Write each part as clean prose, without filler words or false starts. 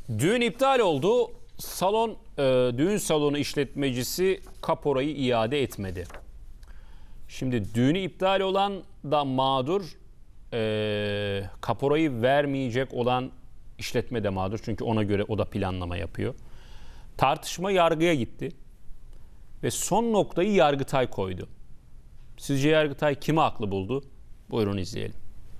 Düğün iptal oldu. Düğün salonu işletmecisi kaporayı iade etmedi. Şimdi düğünü iptal olan da mağdur, kaporayı vermeyecek olan işletme de mağdur. Çünkü ona göre o da planlama yapıyor. Tartışma yargıya gitti. Ve son noktayı Yargıtay koydu. Sizce Yargıtay kimi haklı buldu? Buyurun izleyelim.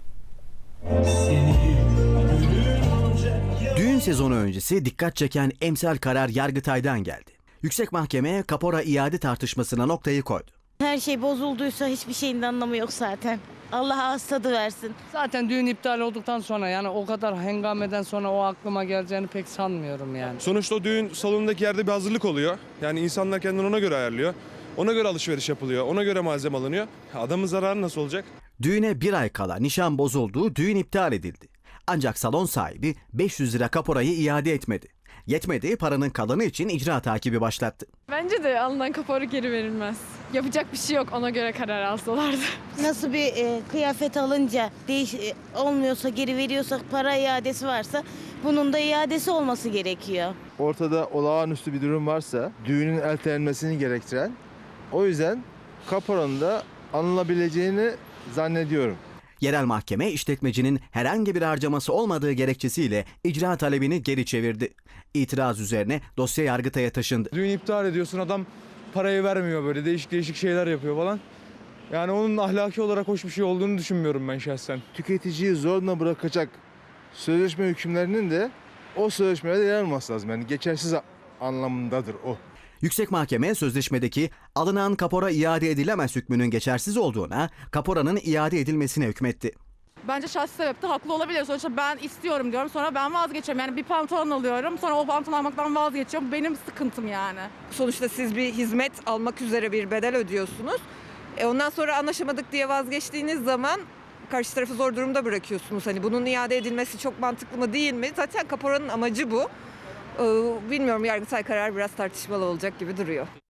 Düğün sezonu öncesi dikkat çeken emsal karar Yargıtay'dan geldi. Yüksek Mahkeme kapora iade tartışmasına noktayı koydu. Her şey bozulduysa hiçbir şeyin de anlamı yok zaten. Allah ağız tadı versin. Zaten düğün iptal olduktan sonra yani o kadar hengameden sonra o aklıma geleceğini pek sanmıyorum yani. Sonuçta o düğün salonundaki yerde bir hazırlık oluyor. Yani insanlar kendini ona göre ayarlıyor. Ona göre alışveriş yapılıyor. Ona göre malzeme alınıyor. Adamın zararı nasıl olacak? Düğüne bir ay kala nişan bozuldu, düğün iptal edildi. Ancak salon sahibi 500 lira kaporayı iade etmedi. Yetmedi, paranın kalanı için icra takibi başlattı. Bence de alınan kapora geri verilmez. Yapacak bir şey yok, ona göre karar alsalardı. Nasıl bir kıyafet alınca olmuyorsa geri veriyorsak para iadesi varsa bunun da iadesi olması gerekiyor. Ortada olağanüstü bir durum varsa düğünün ertelenmesini gerektiren, o yüzden kaporanın da alınabileceğini zannediyorum. Yerel mahkeme işletmecinin herhangi bir harcaması olmadığı gerekçesiyle icra talebini geri çevirdi. İtiraz üzerine dosya Yargıtay'a taşındı. Düğün iptal ediyorsun, adam parayı vermiyor, böyle değişik şeyler yapıyor falan. Yani onun ahlaki olarak hoş bir şey olduğunu düşünmüyorum ben şahsen. Tüketiciyi zorla bırakacak sözleşme hükümlerinin de o sözleşmelerde yer alması lazım. Yani geçersiz anlamındadır o. Yüksek Mahkeme sözleşmedeki alınan kapora iade edilemez hükmünün geçersiz olduğuna, kaporanın iade edilmesine hükmetti. Bence şahsi sebepte haklı olabilir. Sonuçta ben istiyorum diyorum, sonra ben vazgeçiyorum. Yani bir pantolon alıyorum, sonra o pantolon almaktan vazgeçiyorum. Benim sıkıntım yani. Sonuçta siz bir hizmet almak üzere bir bedel ödüyorsunuz. Ondan sonra anlaşamadık diye vazgeçtiğiniz zaman karşı tarafı zor durumda bırakıyorsunuz. Hani bunun iade edilmesi çok mantıklı mı değil mi? Zaten kaporanın amacı bu. Bilmiyorum, Yargıtay kararı biraz tartışmalı olacak gibi duruyor.